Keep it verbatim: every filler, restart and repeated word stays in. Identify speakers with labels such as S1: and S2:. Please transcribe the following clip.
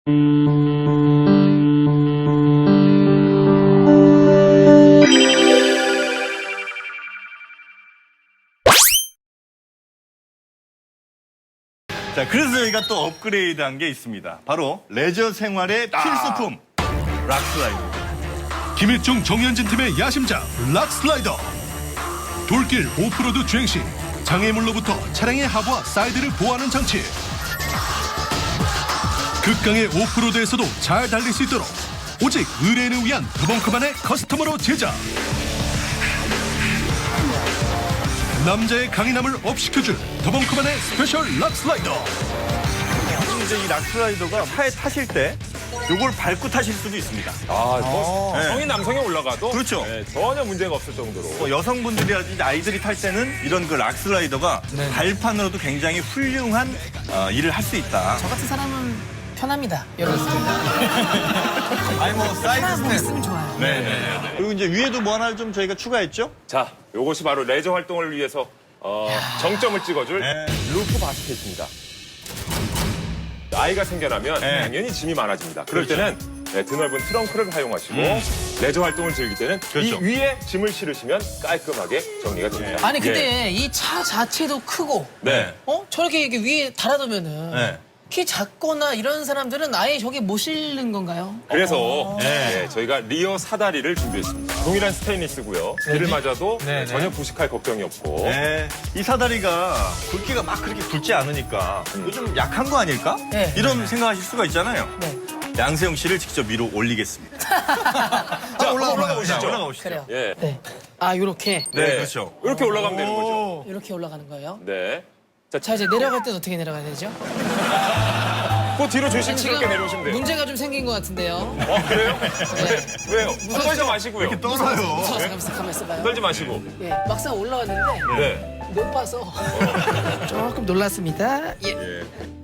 S1: 자, 그래서 저희가 또 업그레이드한 게 있습니다. 바로 레저 생활의 필수품, 락슬라이더.
S2: 김일중 정현진 팀의 야심작 락슬라이더. 돌길 오프로드 주행 시 장애물로부터 차량의 하부와 사이드를 보호하는 장치. 극강의 오프로드에서도 잘 달릴 수 있도록 오직 의뢰인을 위한 더벙커만의 커스텀으로 제작. 남자의 강인함을 업시켜줄 더벙커만의 스페셜 락슬라이더.
S1: 이제 이 락슬라이더가 차에 타실 때 요걸 밟고 타실 수도 있습니다.
S3: 아, 뭐
S1: 네.
S3: 성인 남성이 올라가도
S1: 그렇죠.
S3: 네, 전혀 문제가 없을 정도로.
S1: 뭐 여성분들이라든지 아이들이 탈 때는 이런 그 락슬라이더가 발판으로도 굉장히 훌륭한 어, 일을 할 수 있다.
S4: 저 같은 사람은 편합니다. 여러 분
S1: 아니 뭐 사이즈
S4: 하나 뭐
S1: 스텝.
S4: 있으면 좋아요.
S1: 네네. 그리고 이제 위에도 뭐 하나 좀 저희가 추가했죠?
S3: 자, 요것이 바로 레저 활동을 위해서 어, 정점을 찍어줄
S1: 네.
S3: 루프 바스켓입니다. 아이가 생겨나면
S1: 네.
S3: 당연히 짐이 많아집니다. 그럴
S1: 그렇죠.
S3: 때는 네, 드넓은 트렁크를 활용하시고 레저 활동을 즐길 때는
S1: 그렇죠.
S3: 이 위에 짐을 실으시면 깔끔하게 정리가 됩니다.
S4: 아니
S3: 예.
S4: 근데 이 차 자체도 크고
S3: 네.
S4: 어 저렇게 이렇게 위에 달아두면은
S1: 네.
S4: 키 작거나 이런 사람들은 아예 저기 못 실는 건가요?
S3: 그래서
S1: 네.
S3: 네, 저희가 리어 사다리를 준비했습니다. 동일한 스테인리스고요. 비를 맞아도
S4: 네,
S3: 전혀 부식할 걱정이 없고
S1: 네. 이 사다리가 굵기가 막 그렇게 굵지 않으니까 이거 좀 약한 거 아닐까?
S4: 네.
S1: 이런 생각하실 수가 있잖아요.
S4: 네.
S1: 양세형 씨를 직접 위로 올리겠습니다.
S3: 자, 올라가, 올라가 보시죠.
S1: 자, 올라가 보시죠.
S4: 그래요.
S3: 예.
S4: 네. 아 요렇게
S1: 네, 그렇죠.
S3: 이렇게 올라가면 되는 거죠.
S4: 이렇게 올라가는 거예요.
S3: 네.
S4: 자 이제 내려갈 때는 어떻게 내려가야 되죠?
S3: 그 뒤로 조심스럽게 내려오시면 돼요.
S4: 문제가 좀 생긴 것 같은데요.
S3: 어, 그래요?
S4: 네.
S3: 왜요? 떨지 마시고요.
S1: 이렇게 떨어요.
S4: 무서워서 가만 있어, 가만 있어봐요.
S3: 떨지 마시고.
S4: 예, 막상 올라왔는데
S3: 네.
S4: 못 봐서 조금 놀랐습니다. 예.
S3: 예.